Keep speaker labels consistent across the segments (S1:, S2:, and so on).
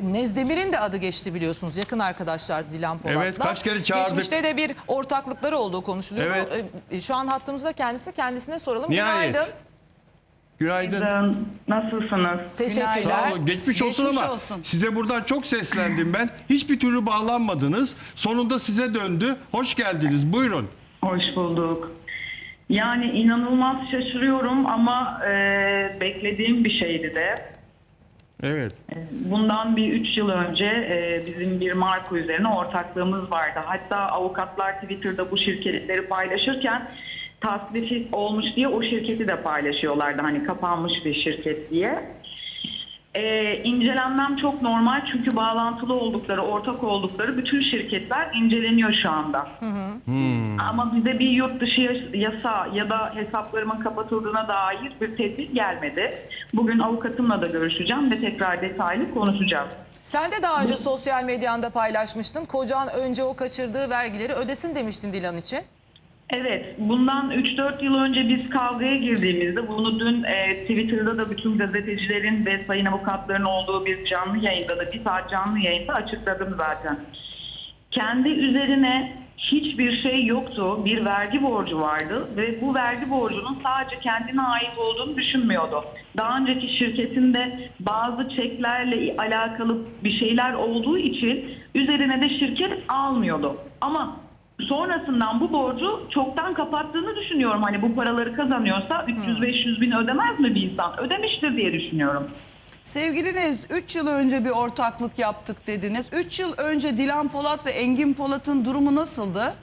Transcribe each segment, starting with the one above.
S1: Nezdemir'in de adı geçti biliyorsunuz. Yakın arkadaşlar Dilan Polat'la.
S2: Evet, kaç kere çağırdık.
S1: Geçmişte de bir ortaklıkları olduğu konuşuluyor.
S2: Evet.
S1: Şu an hattımızda kendisine soralım.
S2: Nihayet.
S1: Günaydın.
S2: Günaydın.
S3: Nasılsınız?
S1: Teşekkürler.
S2: Sağ olun. Geçmiş olsun ama
S4: olsun.
S2: size buradan çok seslendim ben. Hiçbir türlü bağlanmadınız. Sonunda size döndü. Hoş geldiniz. Buyurun.
S3: Hoş bulduk. Yani inanılmaz şaşırıyorum ama beklediğim bir şeydi de.
S2: Evet.
S3: Bundan bir 3 yıl önce bizim bir marka üzerine ortaklığımız vardı. Hatta avukatlar Twitter'da bu şirketleri paylaşırken tasfiye olmuş diye o şirketi de paylaşıyorlardı. Hani kapanmış bir şirket diye. İncelenmem çok normal çünkü bağlantılı oldukları, ortak oldukları bütün şirketler inceleniyor şu anda. Ama bize bir yurt dışı yasa ya da hesaplarımın kapatıldığına dair bir tehdit gelmedi. Bugün avukatımla da görüşeceğim ve tekrar detaylı konuşacağız.
S1: Sen de daha önce sosyal medyanda paylaşmıştın. Kocan önce o kaçırdığı vergileri ödesin demiştin Dilan için.
S3: Evet, bundan 3-4 yıl önce biz kavgaya girdiğimizde bunu dün Twitter'da da bütün gazetecilerin ve sayın avukatların olduğu bir canlı yayında da bir saat canlı yayında açıkladım zaten. Kendi üzerine hiçbir şey yoktu. Bir vergi borcu vardı ve bu vergi borcunun sadece kendine ait olduğunu düşünmüyordu. Daha önceki şirketinde bazı çeklerle alakalı bir şeyler olduğu için üzerine de şirket almıyordu. Ama sonrasından bu borcu çoktan kapattığını düşünüyorum. Hani bu paraları kazanıyorsa 300-500 bin ödemez mi bir insan? Ödemiştir diye düşünüyorum.
S4: Sevgili Nez, 3 yıl önce bir ortaklık yaptık dediniz. 3 yıl önce Dilan Polat ve Engin Polat'ın durumu nasıldı?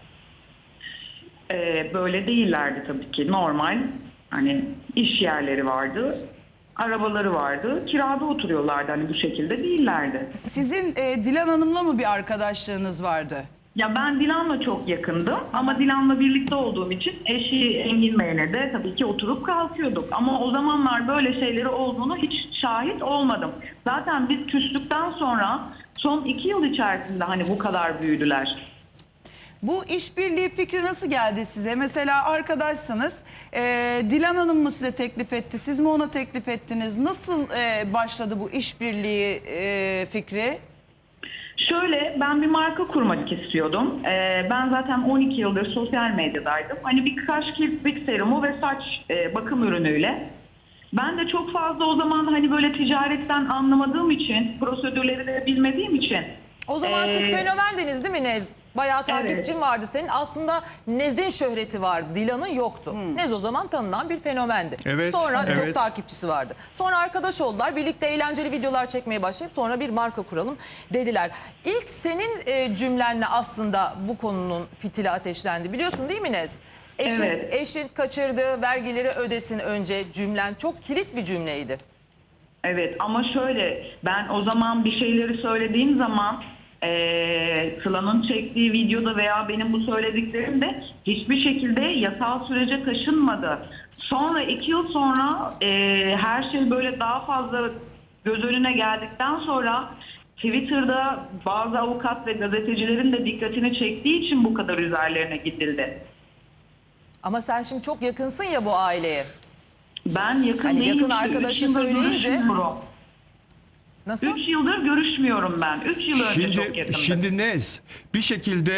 S3: Böyle değillerdi tabii ki. Normal hani iş yerleri vardı, arabaları vardı, kirada oturuyorlardı. Hani bu şekilde değillerdi.
S4: Sizin Dilan Hanım'la mı bir arkadaşlığınız vardı?
S3: Ya ben Dilan'la çok yakındım ama Dilan'la birlikte olduğum için eşi Engin Bey'le de tabii ki oturup kalkıyorduk. Ama o zamanlar böyle şeyleri olduğunu hiç şahit olmadım. Zaten biz küstükten sonra son 2 yıl içerisinde hani bu kadar büyüdüler.
S4: Bu işbirliği fikri nasıl geldi size? Mesela arkadaşsınız, Dilan Hanım mı size teklif etti, siz mi ona teklif ettiniz? Nasıl başladı bu işbirliği fikri?
S3: Şöyle, ben bir marka kurmak istiyordum. Ben zaten 12 yıldır sosyal medyadaydım. Hani bir kaş kirpik serumu ve saç bakım ürünüyle. Ben de çok fazla o zaman hani böyle ticaretten anlamadığım için, prosedürleri de bilmediğim için.
S1: O zaman siz fenomendiniz değil mi Nez? Bayağı takipçin
S3: Evet.
S1: vardı senin. Aslında Nez'in şöhreti vardı, Dilan'ın yoktu. Nez o zaman tanınan bir fenomendi.
S2: Evet,
S1: Sonra çok
S2: evet.
S1: takipçisi vardı. Sonra arkadaş oldular. Birlikte eğlenceli videolar çekmeye başlayıp sonra bir marka kuralım dediler. İlk senin cümlenle aslında bu konunun fitili ateşlendi. Biliyorsun değil mi Nez?
S3: Evet.
S1: Eşin kaçırdığı vergileri ödesin önce cümlen çok kilit bir cümleydi.
S3: Evet ama şöyle, ben o zaman bir şeyleri söylediğim zaman Sıla'nın çektiği videoda veya benim bu söylediklerimde hiçbir şekilde yasal sürece taşınmadı. Sonra 2 yıl sonra her şey böyle daha fazla göz önüne geldikten sonra Twitter'da bazı avukat ve gazetecilerin de dikkatini çektiği için bu kadar üzerlerine gidildi.
S1: Ama sen şimdi çok yakınsın ya bu aileye.
S3: Ben yakın
S1: Hani
S3: değilim.
S1: yakın
S3: ki,
S1: arkadaşı
S3: 3 yıldır
S1: söyleyince-
S3: görüşmüyorum.
S1: Nasıl?
S3: 3 yıldır görüşmüyorum ben. 3 yıl önce çok yakındık.
S2: Şimdi Nez, bir şekilde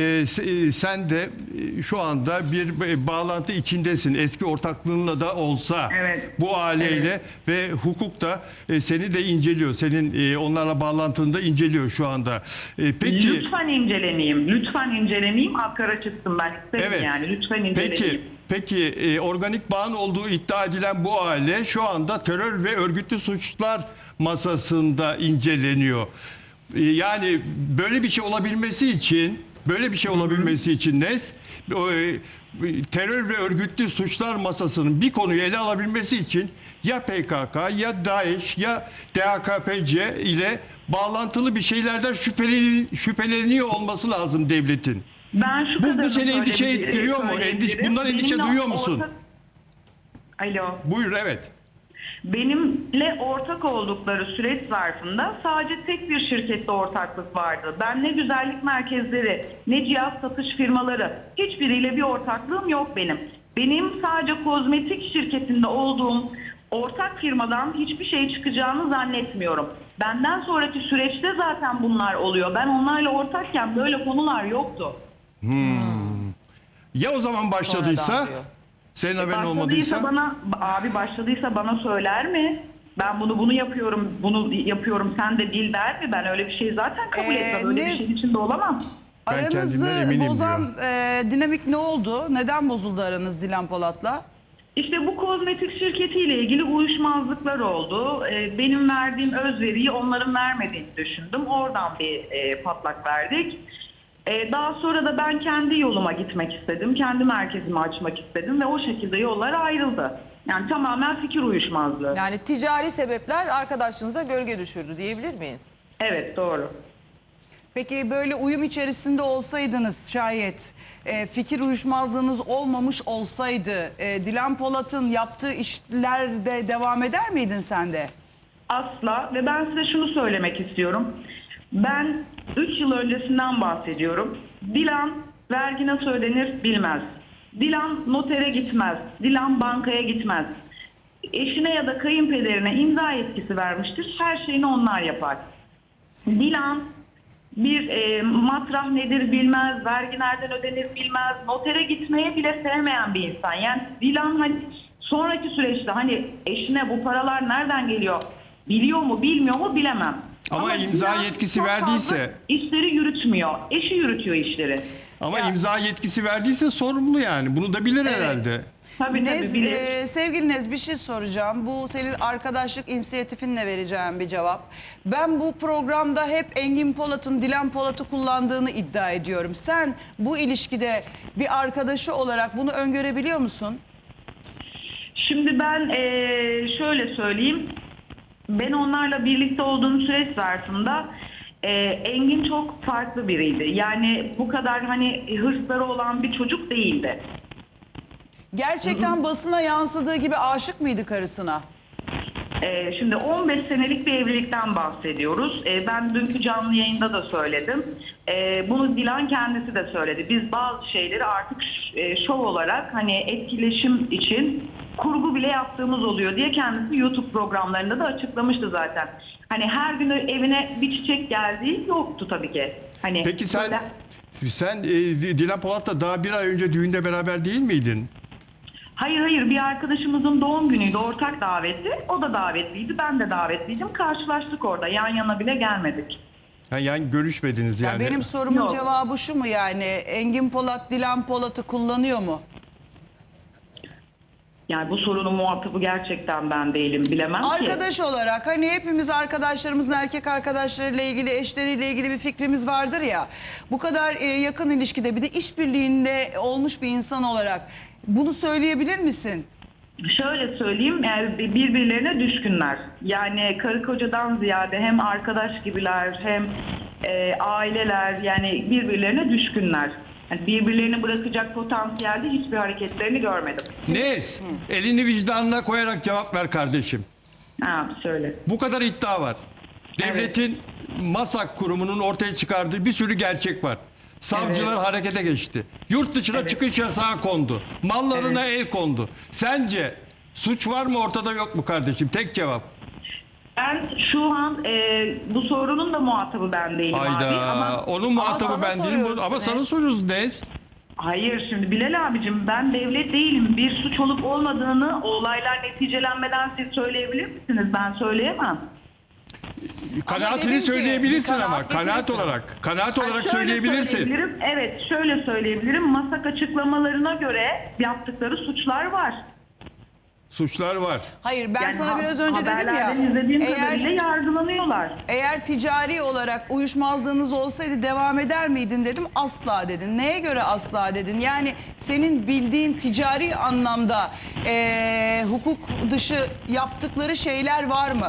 S2: sen de şu anda bir bağlantı içindesin. Eski ortaklığınla da olsa
S3: Evet.
S2: bu aileyle ve hukuk da seni de inceliyor. Senin onlarla bağlantını da inceliyor şu anda. Peki.
S3: Lütfen inceleneyim. Lütfen inceleneyim. Akkara çıksın, ben isterim
S2: Evet.
S3: yani. Lütfen inceleneyim.
S2: Peki organik bağın olduğu iddia edilen bu aile şu anda terör ve örgütlü suçlar masasında inceleniyor. Yani böyle bir şey olabilmesi için Nez terör ve örgütlü suçlar masasının bir konuyu ele alabilmesi için ya PKK ya DAEŞ ya DHKPC ile bağlantılı bir şeylerden şüpheleniyor olması lazım devletin.
S3: Ben şu
S2: Bu
S3: kadarını
S2: seni endişe ettiriyor mu?
S3: söyleyebilirim.
S2: Bundan endişe
S3: Benimle
S2: duyuyor musun?
S3: Alo.
S2: Buyur, evet.
S3: Benimle ortak oldukları süreç zarfında sadece tek bir şirkette ortaklık vardı. Ben ne güzellik merkezleri, ne cihaz satış firmaları, hiçbiriyle bir ortaklığım yok benim. Benim sadece kozmetik şirketinde olduğum ortak firmadan hiçbir şey çıkacağını zannetmiyorum. Benden sonraki süreçte zaten bunlar oluyor. Ben onlarla ortakken böyle konular yoktu.
S2: Ya o zaman başladıysa,
S1: Sonradan diyor.
S2: senin haberin olmadıysa?
S3: Başladıysa bana söyler mi? Ben bunu yapıyorum sen de bil der mi? Ben öyle bir şey zaten kabul etmem. Öyle bir şeyin içinde olamam.
S2: Ben
S4: Aranızı
S2: kendimden eminim
S4: bozan dinamik ne oldu? Neden bozuldu aranız Dilan Polat'la?
S3: İşte bu kozmetik şirketiyle ilgili uyuşmazlıklar oldu. Benim verdiğim özveriyi onların vermediğini düşündüm. Oradan bir patlak verdik. Daha sonra da ben kendi yoluma gitmek istedim. Kendi merkezimi açmak istedim ve o şekilde yollar ayrıldı. Yani tamamen fikir uyuşmazlığı.
S1: Yani ticari sebepler arkadaşlığınıza gölge düşürdü diyebilir miyiz?
S3: Evet, doğru.
S4: Peki böyle uyum içerisinde olsaydınız şayet, fikir uyuşmazlığınız olmamış olsaydı Dilan Polat'ın yaptığı işlerde devam eder miydin sen de?
S3: Asla. Ve ben size şunu söylemek istiyorum. Ben 3 yıl öncesinden bahsediyorum. Dilan vergi nasıl ödenir bilmez. Dilan notere gitmez. Dilan bankaya gitmez. Eşine ya da kayınpederine imza yetkisi vermiştir. Her şeyini onlar yapar. Dilan bir matrah nedir bilmez, vergi nereden ödenir bilmez, notere gitmeye bile sevmeyen bir insan. Yani Dilan hani sonraki süreçte hani eşine bu paralar nereden geliyor, biliyor mu bilmiyor mu bilemem.
S2: Ama imza
S3: Dilan
S2: yetkisi
S3: çok fazla
S2: verdiyse-
S3: işleri yürütmüyor. Eşi yürütüyor işleri.
S2: Ama imza yetkisi verdiyse sorumlu yani. Bunu da bilir herhalde.
S3: Tabii
S4: Nez,
S3: bilir.
S4: sevgili Nez, bir şey soracağım. Bu senin arkadaşlık inisiyatifinle vereceğim bir cevap. Ben bu programda hep Engin Polat'ın Dilan Polat'ı kullandığını iddia ediyorum. Sen bu ilişkide bir arkadaşı olarak bunu öngörebiliyor musun?
S3: Şimdi ben şöyle söyleyeyim. Ben onlarla birlikte olduğum süreç zarfında Engin çok farklı biriydi. Yani bu kadar hani hırsları olan bir çocuk değildi.
S4: Gerçekten basına yansıdığı gibi aşık mıydı karısına?
S3: Şimdi 15 senelik bir evlilikten bahsediyoruz. Ben dünkü canlı yayında da söyledim. Bunu Dilan kendisi de söyledi. Biz bazı şeyleri artık şov olarak hani etkileşim için kurgu bile yaptığımız oluyor diye kendisi YouTube programlarında da açıklamıştı zaten. Hani her gün evine bir çiçek geldiği yoktu tabii ki. Hani
S2: Peki sen
S3: böyle-
S2: Dilan Polat'la daha bir ay önce düğünde beraber değil miydin?
S3: Hayır, bir arkadaşımızın doğum günüydü, ortak davetli. O da davetliydi, ben de davetliydim. Karşılaştık orada, yan yana bile gelmedik.
S2: Yani görüşmediniz
S4: Ya
S2: yani.
S4: benim sorumun
S3: Yok.
S4: cevabı şu mu yani? Engin Polat Dilan Polat'ı kullanıyor mu?
S3: Yani bu sorunun muhatabı gerçekten ben değilim, bilemem ki.
S4: Arkadaş olarak hani hepimiz arkadaşlarımızın erkek arkadaşlarıyla ilgili, eşleriyle ilgili bir fikrimiz vardır ya. Bu kadar yakın ilişkide bir de işbirliğinde olmuş bir insan olarak bunu söyleyebilir misin?
S3: Şöyle söyleyeyim, birbirlerine düşkünler. Yani karı kocadan ziyade hem arkadaş gibiler hem aileler, yani birbirlerine düşkünler. Yani birbirlerini bırakacak potansiyelde hiçbir hareketlerini görmedim.
S2: Nez, elini vicdanına koyarak cevap ver kardeşim.
S3: Ha, söyle.
S2: Bu kadar iddia var. Devletin MASAK kurumunun ortaya çıkardığı bir sürü gerçek var. Savcılar harekete geçti. Yurt dışına çıkış yasağı kondu. Mallarına el kondu. Sence suç var mı ortada yok mu kardeşim? Tek cevap.
S3: Ben şu an bu sorunun da muhatabı ben değilim abi.
S2: Hayda.
S3: Ama
S2: Onun muhatabı
S1: sana
S2: ben değilim.
S1: soruyoruz
S2: Ama sana
S1: Nez.
S2: soruyoruz Nez.
S3: hayır, şimdi Bilal abicim, ben devlet değilim. Bir suç olup olmadığını olaylar neticelenmeden siz söyleyebilir misiniz? Ben söyleyemem.
S2: Kanaatini
S4: dedim ki,
S2: söyleyebilirsin
S1: bir
S2: ama.
S1: kanaat
S2: Kanaat
S1: getirirsin.
S2: olarak. Kanaat olarak
S3: Şöyle
S2: söyleyebilirsin.
S3: söyleyebilirim, evet, şöyle söyleyebilirim. MASAK açıklamalarına göre yaptıkları suçlar var.
S2: Suçlar var.
S4: Hayır ben
S3: Yani
S4: sana biraz önce dedim ya.
S3: haberlerden izlediğim
S4: Eğer
S3: kadarıyla yargılanıyorlar.
S4: Eğer ticari olarak uyuşmazlığınız olsaydı devam eder miydin dedim. Asla dedin. Neye göre asla dedin? Yani senin bildiğin ticari anlamda hukuk dışı yaptıkları şeyler var mı?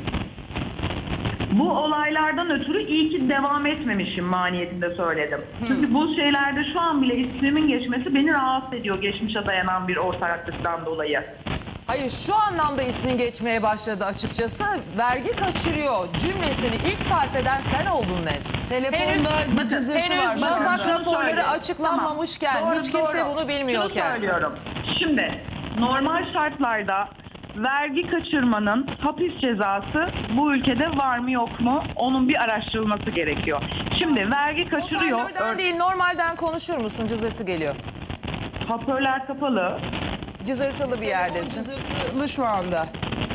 S3: Bu olaylardan ötürü iyi ki devam etmemişim maniyetinde söyledim. Çünkü bu şeylerde şu an bile ismimin geçmesi beni rahatsız ediyor, geçmişe dayanan bir ortaklıktan dolayı.
S1: Hayır, şu anlamda ismin geçmeye başladı açıkçası. Vergi kaçırıyor cümlesini ilk sarf eden sen oldun Nez.
S4: Telefonda bir cızırtı var.
S1: Henüz
S4: Bakın.
S1: MASAK
S3: Şunu
S1: raporları
S3: söyleyeyim.
S1: açıklanmamışken,
S3: Tamam.
S1: hiç kimse
S3: Doğru.
S1: bunu
S3: Şunu
S1: bilmiyorken.
S3: söylüyorum. Şimdi normal şartlarda vergi kaçırmanın hapis cezası bu ülkede var mı yok mu? Onun bir araştırılması gerekiyor. Şimdi vergi kaçırıyor.
S1: Hoparlörden değil, normalden konuşur musun? Cızırtı geliyor.
S3: Hoparlör kapalı.
S1: Cızırtılı bir yerdesin.
S4: Cızırtılı şu anda.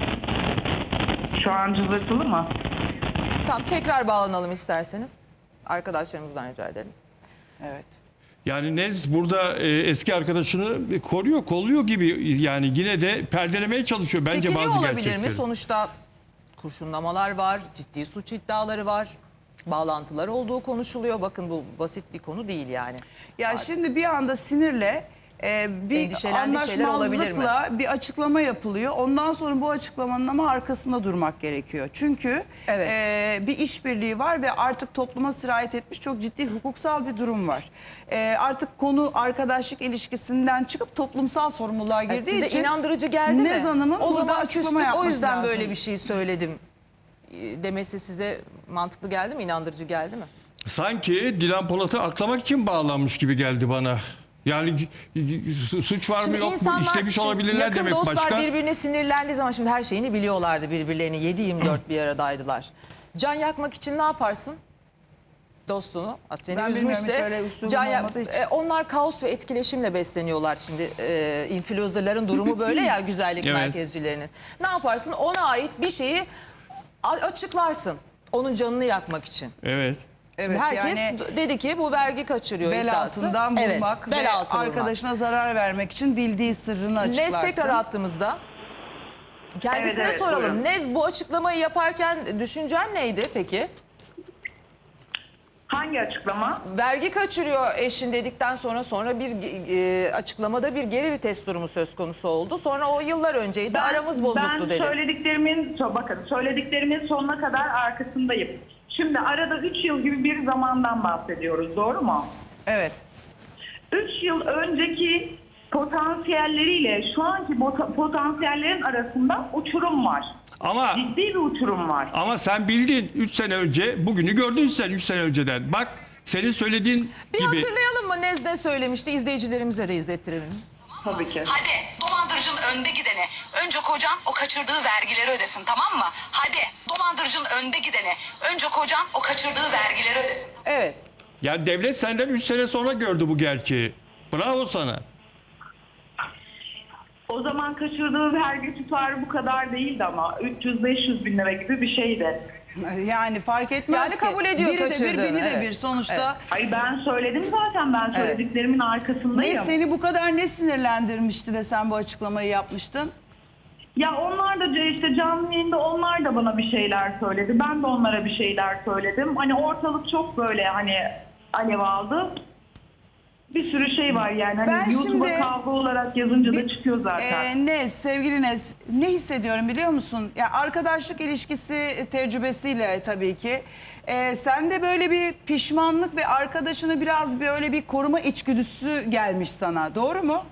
S3: Şu an cızırtılı mı?
S1: Tamam, tekrar bağlanalım isterseniz. Arkadaşlarımızdan rica edelim.
S4: Evet.
S2: Yani Nez burada eski arkadaşını koruyor, kolluyor gibi, yani yine de perdelemeye çalışıyor bence
S1: Çekiniyor
S2: bazı
S1: olabilir
S2: gerçekleri.
S1: mi? Sonuçta kurşunlamalar var, ciddi suç iddiaları var. Bağlantılar olduğu konuşuluyor. Bakın bu basit bir konu değil yani.
S4: Ya şimdi bir anda sinirle bir
S1: Endişelendiği şeyler olabilir mi?
S4: anlaşmazlıkla bir açıklama yapılıyor. Ondan sonra bu açıklamanın ama arkasında durmak gerekiyor. Çünkü
S1: Evet.
S4: bir işbirliği var ve artık topluma sirayet etmiş çok ciddi hukuksal bir durum var. Artık konu arkadaşlık ilişkisinden çıkıp toplumsal sorumluluğa girdiği
S1: Size
S4: için
S1: inandırıcı geldi mi?
S4: Nez Hanım'ın
S1: o
S4: burada
S1: zaman
S4: açıklama
S1: küstük,
S4: yapması
S1: o yüzden
S4: lazım.
S1: böyle bir şey söyledim demesi size mantıklı geldi mi? İnandırıcı geldi mi?
S2: Sanki Dilan Polat'ı aklamak için bağlanmış gibi geldi bana. Yani suç var mı
S1: Şimdi
S2: yok mu,
S1: insanlar,
S2: işlemiş
S1: şimdi
S2: olabilirler
S1: yakın
S2: demek
S1: dostlar
S2: başka.
S1: birbirine sinirlendiği zaman şimdi her şeyini biliyorlardı birbirlerini. 7-24 bir aradaydılar. Can yakmak için ne yaparsın? Dostunu. Seni
S4: Ben bilmiyorum,
S1: üzmüşse.
S4: hiç öyle üslubum olmadığı için.
S1: Onlar kaos ve etkileşimle besleniyorlar şimdi. Influencerların durumu böyle ya, güzellik
S2: Evet.
S1: merkezcilerinin. Ne yaparsın? Ona ait bir şeyi açıklarsın. Onun canını yakmak için.
S2: Evet.
S1: Şimdi
S4: Evet,
S1: herkes
S4: yani
S1: dedi ki bu vergi kaçırıyor
S4: bel
S1: iddiası.
S4: altından
S1: Evet,
S4: vurmak
S1: bel
S4: ve
S1: altı vurmak.
S4: arkadaşına zarar vermek için bildiği sırrını açıklarsın.
S1: Nez tekrar attığımızda kendisine
S3: Evet,
S1: soralım.
S3: buyurun.
S1: Nez, bu açıklamayı yaparken düşüncen neydi peki?
S3: Hangi açıklama?
S1: Vergi kaçırıyor eşin dedikten sonra bir açıklamada bir geri vites durumu söz konusu oldu. Sonra o yıllar önceydi, aramız bozuktu dedi.
S3: Bakın söylediklerimin sonuna kadar arkasındayım. Şimdi arada 3 yıl gibi bir zamandan bahsediyoruz, doğru mu?
S4: Evet.
S3: 3 yıl önceki potansiyelleriyle şu anki potansiyellerin arasında uçurum var.
S2: Ama
S3: Ciddi bir uçurum var.
S2: sen bildin 3 sene önce, bugünü gördün sen 3 sene önceden. Bak senin söylediğin
S1: Bir
S2: gibi.
S1: hatırlayalım mı Nez ne söylemişti, izleyicilerimize de izlettirelim.
S3: Tabii ki.
S5: Hadi dolandırıcının önde gidene. Önce kocan o kaçırdığı vergileri ödesin, tamam mı? Hadi dolandırıcının önde gidene. Önce kocan o kaçırdığı vergileri ödesin.
S1: Evet.
S2: Yani devlet senden 3 sene sonra gördü bu gerçeği. Bravo sana.
S3: O zaman kaçırdığı vergi tutarı bu kadar değildi ama 300-500 bin lira gibi bir şeydi.
S4: Yani fark etmez
S1: Yani
S4: ki.
S1: kabul ediyor
S4: Biri de bir,
S1: kaçırdığını,
S4: beni de
S1: evet.
S4: bir. Sonuçta
S3: Hayır, ben söyledim zaten, ben söylediklerimin arkasındayım.
S4: ne seni bu kadar ne sinirlendirmişti de sen bu açıklamayı yapmıştın?
S3: Ya onlar da işte canlı yayında onlar da bana bir şeyler söyledi. Ben de onlara bir şeyler söyledim. Hani ortalık çok böyle hani alev aldı. Bir sürü şey var yani. Hani
S4: Ben
S3: YouTube'a
S4: şimdi-
S3: kavga olarak yazınca da çıkıyor zaten.
S4: Nez, sevgili Nez, ne hissediyorum biliyor musun? Ya arkadaşlık ilişkisi tecrübesiyle tabii ki. Sende böyle bir pişmanlık ve arkadaşını biraz böyle bir koruma içgüdüsü gelmiş sana. Doğru mu?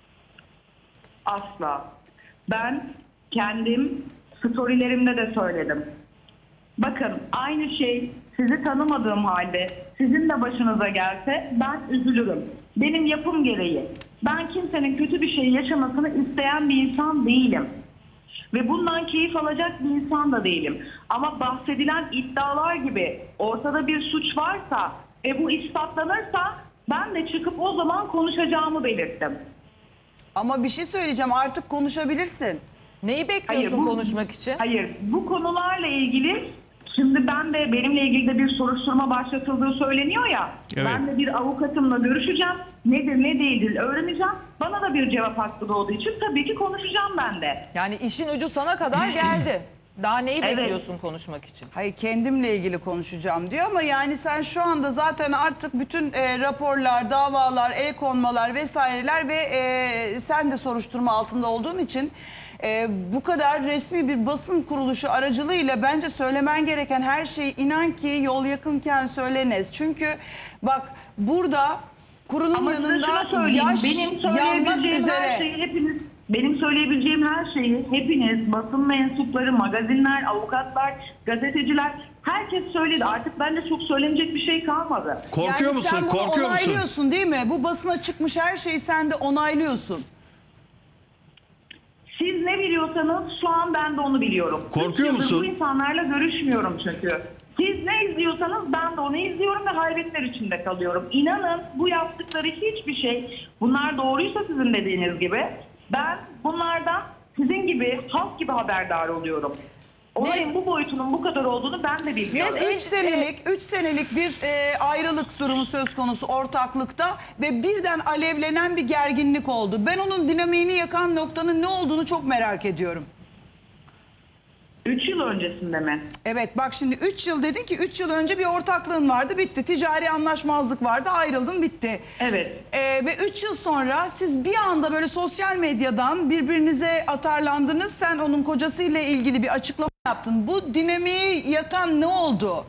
S3: Asla. Ben kendim storylerimde de söyledim. Bakın aynı şey sizi tanımadığım halde sizin de başınıza gelse ben üzülürüm. Benim yapım gereği. Ben kimsenin kötü bir şey yaşamasını isteyen bir insan değilim. Ve bundan keyif alacak bir insan da değilim. Ama bahsedilen iddialar gibi ortada bir suç varsa bu ispatlanırsa ben de çıkıp o zaman konuşacağımı belirttim.
S4: Ama bir şey söyleyeceğim, artık konuşabilirsin.
S1: Neyi bekliyorsun konuşmak için?
S3: Hayır, bu konularla ilgili şimdi benimle ilgili de bir soruşturma başlatıldığı söyleniyor ya.
S2: Evet.
S3: Ben de bir avukatımla görüşeceğim. Nedir ne değildir öğreneceğim. Bana da bir cevap hakkı doğduğu için tabii ki konuşacağım ben de.
S1: Yani işin ucu sana kadar geldi. Daha neyi
S3: Evet.
S1: bekliyorsun konuşmak için?
S4: Hayır, kendimle ilgili konuşacağım diyor ama yani sen şu anda zaten artık bütün raporlar, davalar, el konmalar vesaireler ve sen de soruşturma altında olduğun için bu kadar resmi bir basın kuruluşu aracılığıyla bence söylemen gereken her şeyi inan ki yol yakınken söylenez. Çünkü bak burada kurunun
S3: Ama size
S4: yanında
S3: şunu söyleyeyim.
S4: yaş yanmak üzere.
S3: Benim söyleyebileceğim her şeyi hepiniz, basın mensupları, magazinler, avukatlar, gazeteciler herkes söyledi. Artık bende çok söylenecek bir şey kalmadı.
S2: Korkuyor musun?
S4: Sen bunu
S2: Korkuyor musun?
S4: onaylıyorsun değil mi? Bu basına çıkmış her şeyi sen de onaylıyorsun.
S3: Siz Siz ne biliyorsanız şu an ben de onu biliyorum.
S2: Korkuyor
S3: 3 yıldır
S2: musun?
S3: Bu insanlarla görüşmüyorum çünkü. Siz ne izliyorsanız ben de onu izliyorum ve hayretler içinde kalıyorum. İnanın bu yaptıkları hiçbir şey, bunlar doğruysa sizin dediğiniz gibi, ben bunlardan sizin gibi, halk gibi haberdar oluyorum. Olayın bu boyutunun bu kadar olduğunu ben de bilmiyorum.
S4: 3 senelik bir ayrılık durumu söz konusu ortaklıkta ve birden alevlenen bir gerginlik oldu. Ben onun dinamiğini yakan noktanın ne olduğunu çok merak ediyorum.
S3: 3 yıl öncesinde mi?
S4: Evet, bak şimdi 3 yıl dedin ki 3 yıl önce bir ortaklığın vardı, bitti. Ticari anlaşmazlık vardı, ayrıldın, bitti.
S3: Evet.
S4: Ve 3 yıl sonra siz bir anda böyle sosyal medyadan birbirinize atarlandınız. Sen onun kocasıyla ilgili bir açıklama yaptın. Bu dinamiği yakan ne oldu?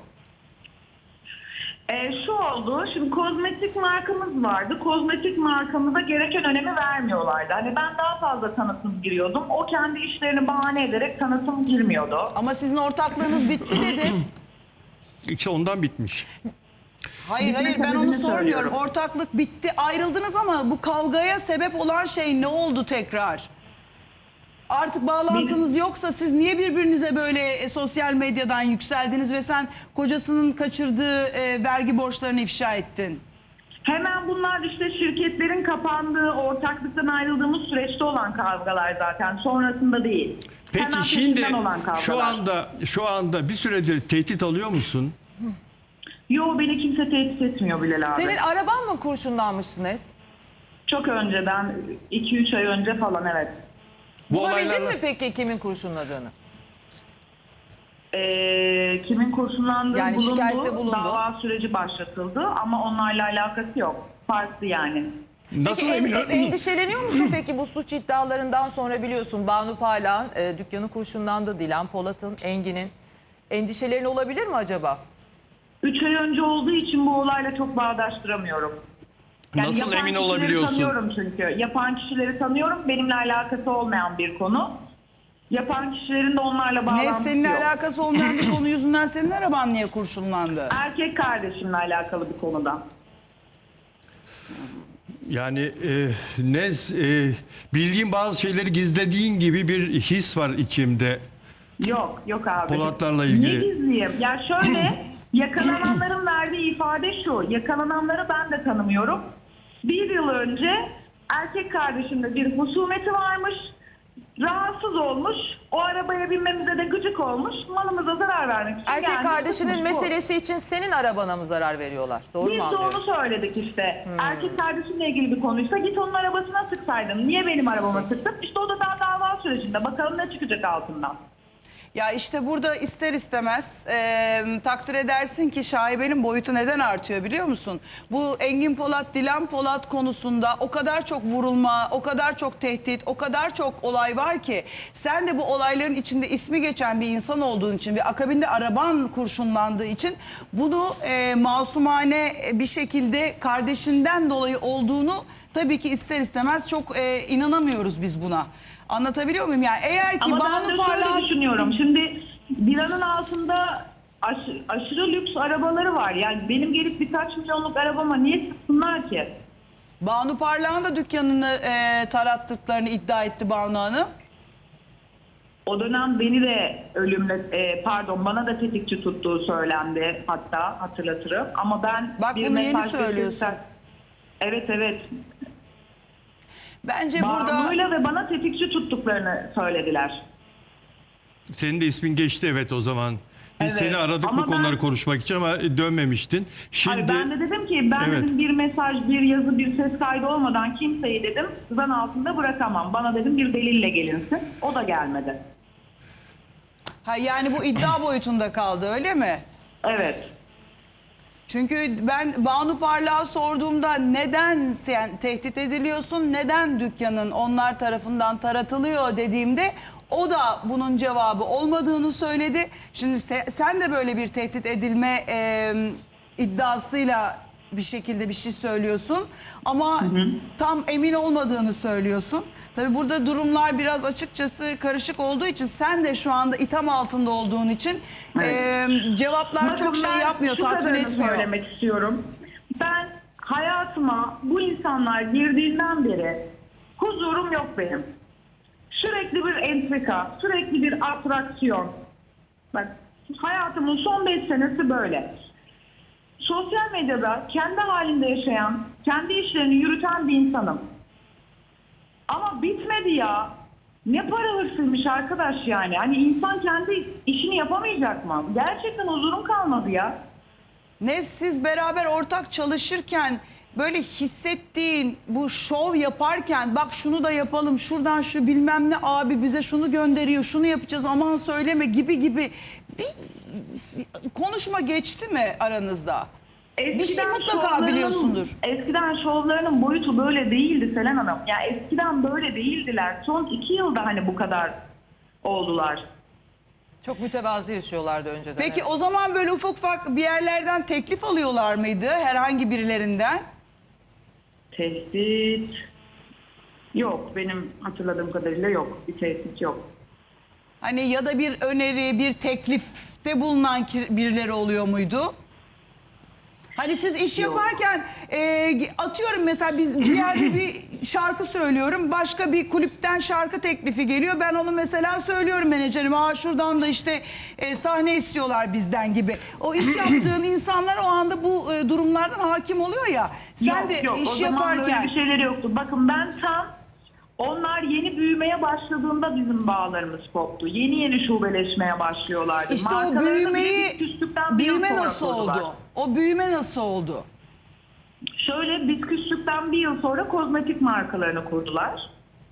S3: Şu oldu, şimdi kozmetik markamız vardı. Kozmetik markamıza gereken önemi vermiyorlardı. Hani ben daha fazla tanıtım giriyordum. O kendi işlerini bahane ederek tanıtım girmiyordu.
S4: Ama sizin ortaklığınız bitti dedi.
S2: İşte ondan bitmiş.
S4: Hayır
S3: Bitme
S4: ben onu
S3: sebebini
S4: sormuyorum.
S3: söylüyorum.
S4: Ortaklık bitti, ayrıldınız ama bu kavgaya sebep olan şey ne oldu tekrar? Artık bağlantınız yoksa siz niye birbirinize böyle sosyal medyadan yükseldiniz ve sen kocasının kaçırdığı vergi borçlarını ifşa ettin?
S3: Hemen bunlar işte şirketlerin kapandığı, ortaklıktan ayrıldığımız süreçte olan kavgalar zaten. Sonrasında değil.
S2: Peki
S3: Hemen
S2: şimdi
S3: peşinden olan kavgalar.
S2: şu anda bir süredir tehdit alıyor musun?
S3: Yo, beni kimse tehdit etmiyor Bilal abi.
S1: Senin araban mı kurşunlanmıştı Nez?
S3: Çok önceden, 2-3 ay önce falan, evet.
S2: Bu
S1: Bulabildin
S2: olaylarla
S1: mi peki kimin kurşunladığını?
S3: Kimin kurşunlandığı
S1: Yani şikayette bulundu.
S3: dava süreci başlatıldı ama onlarla alakası yok. Farklı yani.
S2: nasıl
S1: Peki,
S2: emin?
S1: endişeleniyor musun peki bu suç iddialarından sonra? Biliyorsun Banu Parlak'ın dükkanı kurşunlandı, Dilan Polat'ın, Engin'in. Endişelerin olabilir mi acaba?
S3: 3 ay önce olduğu için bu olayla çok bağdaştıramıyorum.
S2: Nasıl
S3: yapan
S2: emin
S3: kişileri
S2: olabiliyorsun?
S3: Tanıyorum çünkü. Yapan kişileri tanıyorum. Benimle alakası olmayan bir konu. Yapan kişilerin de onlarla
S4: Ne
S3: bağlantısı
S4: seninle
S3: yok.
S4: alakası olmayan bir konu yüzünden senin araban niye kurşunlandı?
S3: Erkek kardeşimle alakalı bir konuda.
S2: Yani bildiğim bazı şeyleri gizlediğin gibi bir his var içimde.
S3: Yok abi.
S2: Polatlarla ilgili.
S3: Ne gizliyim? Ya şöyle, yakalananların verdiği ifade şu. Yakalananları ben de tanımıyorum. 1 yıl önce erkek kardeşimle bir husumeti varmış. Rahatsız olmuş. O arabaya binmemize de gıcık olmuş. Malımıza zarar vermek için
S1: Erkek
S3: gelmiş,
S1: kardeşinin
S3: tutmuş bu.
S1: meselesi için senin arabana mı zarar veriyorlar? Doğru
S3: Biz
S1: mu
S3: de onu
S1: anlıyoruz?
S3: söyledik işte. Erkek kardeşimle ilgili bir konuysa git onun arabasına sıksaydın. Niye benim arabama sıktın? İşte o da daha dava sürecinde. Bakalım ne çıkacak altından.
S4: Ya işte burada ister istemez takdir edersin ki şaibenin boyutu neden artıyor biliyor musun? Bu Engin Polat, Dilan Polat konusunda o kadar çok vurulma, o kadar çok tehdit, o kadar çok olay var ki sen de bu olayların içinde ismi geçen bir insan olduğun için ve akabinde araban kurşunlandığı için bunu masumane bir şekilde kardeşinden dolayı olduğunu tabii ki ister istemez çok inanamıyoruz biz buna. Anlatabiliyor muyum? Yani eğer ki
S3: Ama ben
S4: Banu
S3: de
S4: Parlak...
S3: şöyle düşünüyorum. Şimdi Dilan'ın altında aşırı lüks arabaları var. Yani benim gelip birkaç milyonluk arabama niye sıksınlar ki?
S4: Banu Parlak'ın da dükkanını tarattıklarını iddia etti Banu Hanım.
S3: O dönem beni de bana da tetikçi tuttuğu söylendi, hatta hatırlatırım. Ama ben
S4: Bak
S3: bir
S4: bunu yeni
S3: mesaj
S4: söylüyorsun.
S3: Evet.
S4: Bence burada...
S3: Banu'yla ve bana tetikçi tuttuklarını söylediler.
S2: Senin de ismin geçti evet o zaman. Biz
S3: Evet.
S2: seni aradık
S3: Ama
S2: bu konuları
S3: ben-
S2: konuşmak için ama dönmemiştin. Şimdi
S3: Hayır, ben de dedim ki
S2: Evet.
S3: dedim bir mesaj, bir yazı, bir ses kaydı olmadan kimseyi dedim zan altında bırakamam. Bana dedim bir delille gelinsin. O da gelmedi.
S4: Ha, yani bu iddia boyutunda kaldı öyle mi?
S3: Evet.
S4: Çünkü ben Banu Parlak'a sorduğumda neden sen tehdit ediliyorsun, neden dükkanın onlar tarafından taratılıyor dediğimde o da bunun cevabı olmadığını söyledi. Şimdi sen de böyle bir tehdit edilme iddiasıyla bir şekilde bir şey söylüyorsun ama tam emin olmadığını söylüyorsun. Tabii burada durumlar biraz açıkçası karışık olduğu için sen de şu anda itham altında olduğun için cevaplar
S3: Bakın
S4: çok şey
S3: ben
S4: yapmıyor,
S3: şu
S4: tatmin
S3: kadarını
S4: etmiyor.
S3: söylemek istiyorum. Ben hayatıma bu insanlar girdiğinden beri huzurum yok benim. Sürekli bir entrika, sürekli bir atraksiyon. Bak, hayatımın son 5 senesi böyle. Sosyal medyada kendi halinde yaşayan, kendi işlerini yürüten bir insanım. Ama bitmedi ya. Ne para hırsıymış arkadaş yani. Hani insan kendi işini yapamayacak mı? Gerçekten huzurum kalmadı ya.
S4: Ne siz beraber ortak çalışırken böyle hissettiğin, bu şov yaparken bak şunu da yapalım, şuradan şu bilmem ne abi bize şunu gönderiyor, şunu yapacağız aman söyleme gibi bir konuşma geçti mi aranızda? Bir şey mutlaka
S3: şovlarının-
S4: biliyorsundur.
S3: Eskiden şovlarının boyutu böyle değildi Selen Hanım. Yani eskiden böyle değildiler. Son 2 yılda hani bu kadar oldular.
S1: Çok mütevazı yaşıyorlardı önceden.
S4: Peki
S1: evet.
S4: o zaman böyle ufak ufak bir yerlerden teklif alıyorlar mıydı herhangi birilerinden?
S3: Tehdit yok. Benim hatırladığım kadarıyla yok. Bir tehdit yok.
S4: Hani ya da bir öneri, bir teklifte bulunan birileri oluyor muydu? Hani siz iş
S3: Yok.
S4: yaparken atıyorum mesela biz bir yerde bir şarkı söylüyorum. Başka bir kulüpten şarkı teklifi geliyor. Ben onu mesela söylüyorum menajerime. Aa şuradan da işte sahne istiyorlar bizden gibi. O iş yaptığın insanlar o anda bu durumlardan hakim oluyor ya. Sen de
S3: yok. O
S4: iş
S3: zaman
S4: yaparken...
S3: böyle bir şeyleri yoktu. Bakın ben tam onlar yeni büyümeye başladığında bizim bağlarımız koptu. Yeni şubeleşmeye başlıyorlardı.
S4: İşte o
S3: Markalarını bile
S4: büyümeyi,
S3: biz küstükten bir yıl
S4: büyüme
S3: sonra
S4: nasıl
S3: kurdular.
S4: oldu? O büyüme nasıl oldu?
S3: Şöyle biz küstükten bir yıl sonra kozmetik markalarını kurdular.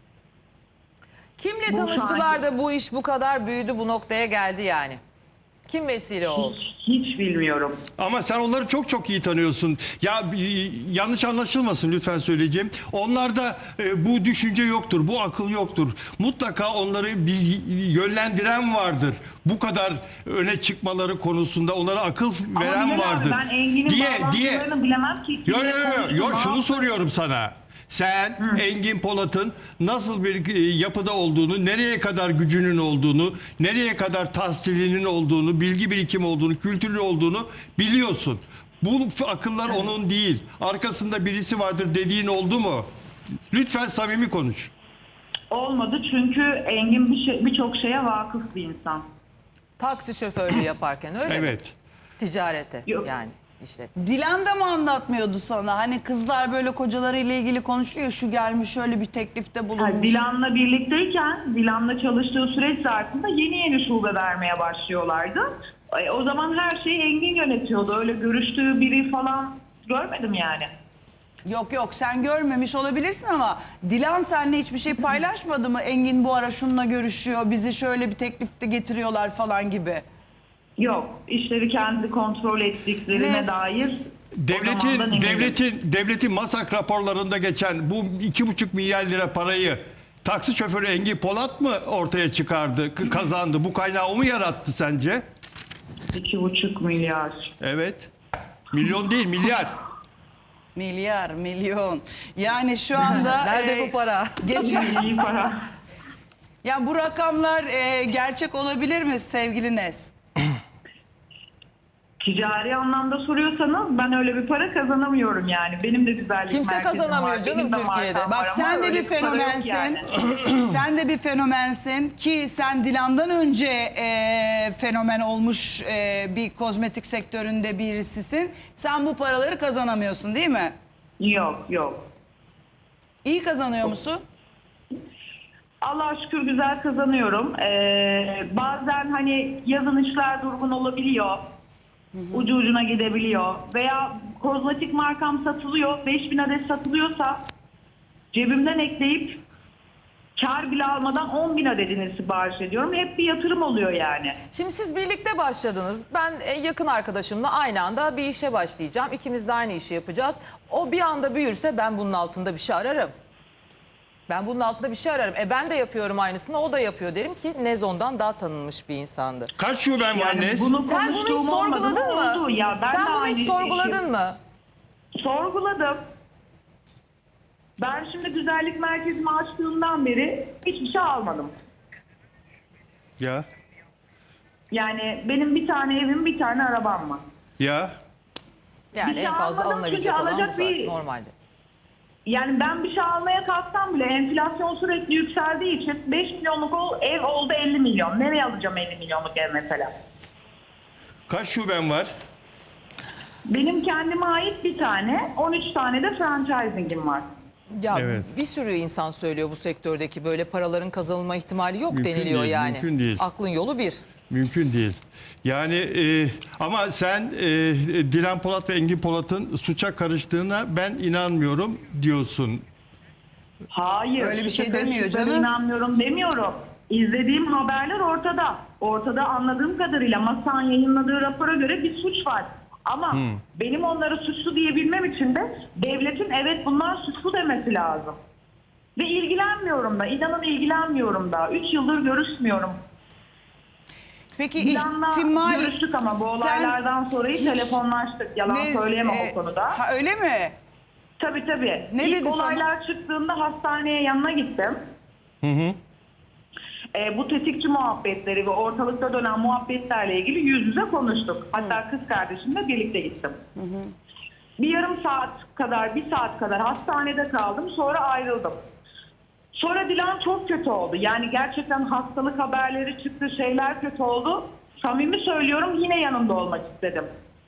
S1: Kimle
S3: Bu
S1: tanıştılar
S3: şahit-
S1: da bu iş bu kadar büyüdü, bu noktaya geldi yani? Kim vesile oldu?
S3: Hiç bilmiyorum.
S2: Ama sen onları çok çok iyi tanıyorsun. Ya yanlış anlaşılmasın lütfen söyleyeceğim. Onlarda bu düşünce yoktur, bu akıl yoktur. Mutlaka onları bir yönlendiren vardır. Bu kadar öne çıkmaları konusunda onlara akıl
S3: Ama
S2: veren
S3: Bilal abi,
S2: vardır.
S3: ben Engin'in bağlantılarını bilemem ki.
S2: Yo,
S3: Kimle konuştu, ne
S2: şunu
S3: yaptı?
S2: soruyorum sana. Sen Engin Polat'ın nasıl bir yapıda olduğunu, nereye kadar gücünün olduğunu, nereye kadar tahsilinin olduğunu, bilgi birikim olduğunu, kültürlü olduğunu biliyorsun. Bu akıllar onun değil. Arkasında birisi vardır dediğin oldu mu? Lütfen samimi konuş.
S3: Olmadı çünkü Engin birçok şeye vakıf bir insan.
S1: Taksi şoförlüğü yaparken öyle mi?
S2: Evet.
S1: Ticarete
S3: Yok.
S1: yani işte.
S4: Dilan da mı anlatmıyordu sana? Hani kızlar böyle kocalarıyla ilgili konuşuyor. Şu gelmiş şöyle bir teklifte bulunmuş.
S3: Yani Dilan'la birlikteyken, Dilan'la çalıştığı süreç zarfında yeni şube vermeye başlıyorlardı. O zaman her şeyi Engin yönetiyordu. Öyle görüştüğü biri falan görmedim yani.
S4: Yok sen görmemiş olabilirsin ama Dilan seninle hiçbir şey paylaşmadı mı? Engin bu ara şununla görüşüyor. Bizi şöyle bir teklifte getiriyorlar falan gibi.
S3: Yok, işleri kendi kontrol ettiklerine
S4: Ne?
S3: dair o zamandan eminim.
S2: Devletin MASAK raporlarında geçen bu 2,5 milyar lira parayı taksi şoförü Engin Polat mı ortaya çıkardı, kazandı? Bu kaynağı o mu yarattı sence?
S3: 2,5 milyar.
S2: Evet. Milyon değil, milyar.
S4: Milyar, milyon. Yani şu anda...
S1: Nerede bu para?
S4: Geçen,
S3: İyi para.
S4: ya bu rakamlar gerçek olabilir mi sevgili Nes?
S3: Ticari anlamda soruyorsanız ben öyle bir para kazanamıyorum yani. Benim de güzellik
S1: Kimse
S3: merkezim
S1: kazanamıyor
S3: var,
S1: canım
S3: benim de
S1: Türkiye'de.
S3: markam
S4: Bak
S3: var
S4: sen
S3: ama
S4: de
S3: öyle
S4: bir
S3: para yok
S4: fenomensin.
S3: yani.
S4: Sen de bir fenomensin ki sen Dilan'dan önce fenomen olmuş bir kozmetik sektöründe birisisin. Sen bu paraları kazanamıyorsun değil mi?
S3: Yok.
S4: İyi kazanıyor musun?
S3: Allah'a şükür güzel kazanıyorum. Bazen hani yazın işler durgun olabiliyor. Ucu ucuna gidebiliyor. Veya kozmetik markam satılıyor. 5000 adet satılıyorsa cebimden ekleyip kar bile almadan 10.000 adedini sipariş ediyorum. Hep bir yatırım oluyor yani.
S1: Şimdi siz birlikte başladınız. Ben yakın arkadaşımla aynı anda bir işe başlayacağım. İkimiz de aynı işi yapacağız. O bir anda büyürse ben bunun altında bir şey ararım. Ben bunun altında bir şey ararım. Ben de yapıyorum aynısını, o da yapıyor derim ki Nezon'dan daha tanınmış bir insandı.
S2: Kaç şuben var
S3: Yani
S2: Nes?
S3: bunu
S1: Sen bunu hiç
S3: konuştuğum olmadı mı?
S1: sorguladın mı?
S3: Oldu. Ya ben
S1: Sen
S3: de
S1: bunu
S3: aynı
S1: hiç sorguladın mı?
S3: Sorguladım. Ben şimdi güzellik merkezimi açtığımdan beri hiçbir şey almadım.
S2: Ya.
S3: Yani benim bir tane evim, bir tane arabam var.
S2: Ya.
S1: Yani
S3: Bir
S1: en fazla
S3: almadım
S1: alınabilecek
S3: çünkü
S1: olan bu
S3: alacak
S1: zaten
S3: bir-
S1: normalde.
S3: Yani ben bir şey almaya kalksam bile enflasyon sürekli yükseldiği için 5 milyonluk ev oldu 50 milyon. Nereye alacağım 50 milyonluk ev mesela?
S2: Kaç şuben var?
S3: Benim kendime ait bir tane, 13 tane de franchising'im var.
S1: Ya
S2: Evet.
S1: bir sürü insan söylüyor bu sektördeki böyle paraların kazanılma ihtimali yok
S2: Mümkün
S1: deniliyor
S2: değil,
S1: yani.
S2: mümkün değil.
S1: Aklın yolu bir.
S2: Mümkün değil. Yani ama sen Dilan Polat ve Engin Polat'ın suça karıştığına ben inanmıyorum diyorsun.
S3: Hayır.
S4: Öyle bir şey
S3: suça
S4: demiyor
S3: karıştıklarına
S4: canım.
S3: İnanmıyorum demiyorum. İzlediğim haberler ortada. Ortada anladığım kadarıyla MASA'nın yayınladığı rapora göre bir suç var. Ama benim onları suçlu diyebilmem için de devletin evet bunlar suçlu demesi lazım. Ve ilgilenmiyorum da, inanın ilgilenmiyorum da. 3 yıldır görüşmüyorum.
S4: Peki
S3: Dilan'la
S4: ihtimal...
S3: görüştük ama bu
S4: Sen-
S3: olaylardan sonra telefonlaştık. Yalan söyleyemem o konuda.
S4: Ha, öyle mi?
S3: Tabii tabii.
S4: Ne
S3: İlk
S4: dedi sana?
S3: olaylar çıktığında hastaneye yanına gittim. Bu tetikçi muhabbetleri ve ortalıkta dönen muhabbetlerle ilgili yüz yüze konuştuk. Hatta kız kardeşimle birlikte gittim. Bir yarım saat kadar, bir saat kadar hastanede kaldım. Sonra ayrıldım. Sonra Dilan çok kötü oldu. Yani gerçekten hastalık haberleri çıktı, şeyler kötü oldu. Samimi söylüyorum yine yanında olmak istedim.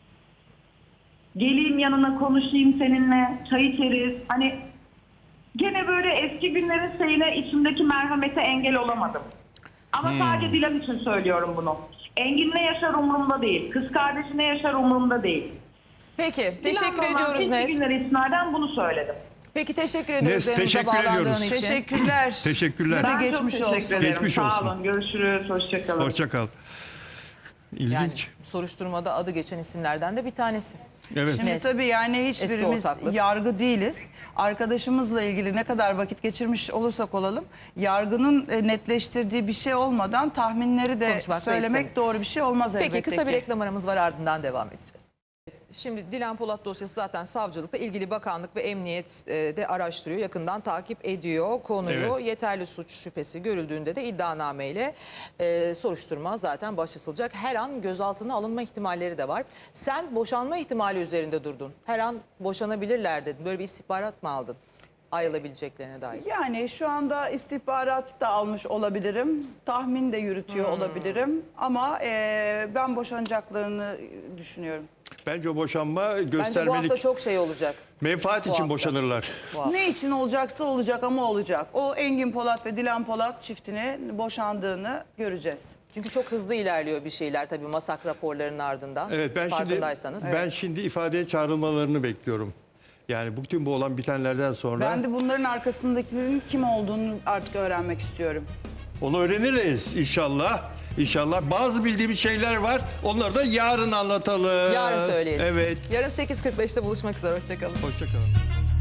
S3: Geleyim yanına konuşayım seninle, çay içeriz. Hani gene böyle eski günlerin şeyine içimdeki merhamete engel olamadım. Ama sadece Dilan için söylüyorum bunu. Engin ne yaşar umurumda değil. Kız kardeşi ne yaşar umurumda değil.
S1: Peki teşekkür
S3: Dilan'la olan
S1: ediyoruz
S3: eski
S1: Nes.
S3: günleri istinaden bunu söyledim.
S1: Peki teşekkür ediyoruz
S2: Nes,
S1: yanımıza
S2: teşekkür
S1: bağlandığın
S2: ediyoruz.
S1: için.
S4: Teşekkürler.
S2: Teşekkürler.
S4: Size de
S3: Ben çok
S4: geçmiş
S3: teşekkür
S4: olsun.
S3: ederim.
S2: Geçmiş
S3: Sağ
S2: olsun.
S3: olun. Görüşürüz. Hoşçakalın.
S2: Hoşça kal. İlginç.
S1: Yani soruşturmada adı geçen isimlerden de bir tanesi.
S2: Evet.
S4: Şimdi
S1: Nes.
S4: tabii yani
S1: Eski
S4: hiçbirimiz
S1: ortaklık.
S4: yargı değiliz. Arkadaşımızla ilgili ne kadar vakit geçirmiş olursak olalım, yargının netleştirdiği bir şey olmadan tahminleri de
S1: Konuşmak da
S4: söylemek
S1: istemiyorum.
S4: doğru bir şey olmaz elbette
S1: Peki kısa bir
S4: ki.
S1: reklam aramız var, ardından devam edeceğiz. Şimdi Dilan Polat dosyası zaten savcılıkta, ilgili bakanlık ve emniyet de araştırıyor, yakından takip ediyor konuyu.
S2: Evet.
S1: Yeterli suç şüphesi görüldüğünde de iddianameyle soruşturma zaten başlatılacak. Her an gözaltına alınma ihtimalleri de var. Sen boşanma ihtimali üzerinde durdun. Her an boşanabilirler dedin. Böyle bir istihbarat mı aldın ayrılabileceklerine dair?
S4: Yani şu anda istihbarat da almış olabilirim. Tahmin de yürütüyor olabilirim. Ama ben boşanacaklarını düşünüyorum.
S2: Bence o boşanma
S1: Bence bu hafta
S2: göstermelik.
S1: çok şey olacak.
S2: Menfaat
S1: bu
S2: için
S1: hafta.
S2: boşanırlar.
S1: Bu hafta.
S4: Ne için olacaksa olacak ama olacak. O Engin Polat ve Dilan Polat çiftinin boşandığını göreceğiz.
S1: Çünkü çok hızlı ilerliyor bir şeyler tabii masak raporlarının ardından.
S2: Evet, ben
S1: farkındaysanız.
S2: şimdi ifadeye çağrılmalarını bekliyorum. Yani bütün bu olan bitenlerden sonra
S4: Ben de bunların arkasındakilerin kim olduğunu artık öğrenmek istiyorum.
S2: onu öğreniriz inşallah. İnşallah bazı bildiğimiz şeyler var. Onları da yarın anlatalım.
S1: Yarın söyleyelim.
S2: Evet.
S1: Yarın 8.45'te buluşmak üzere. Hoşçakalın.
S2: Hoşça kalın.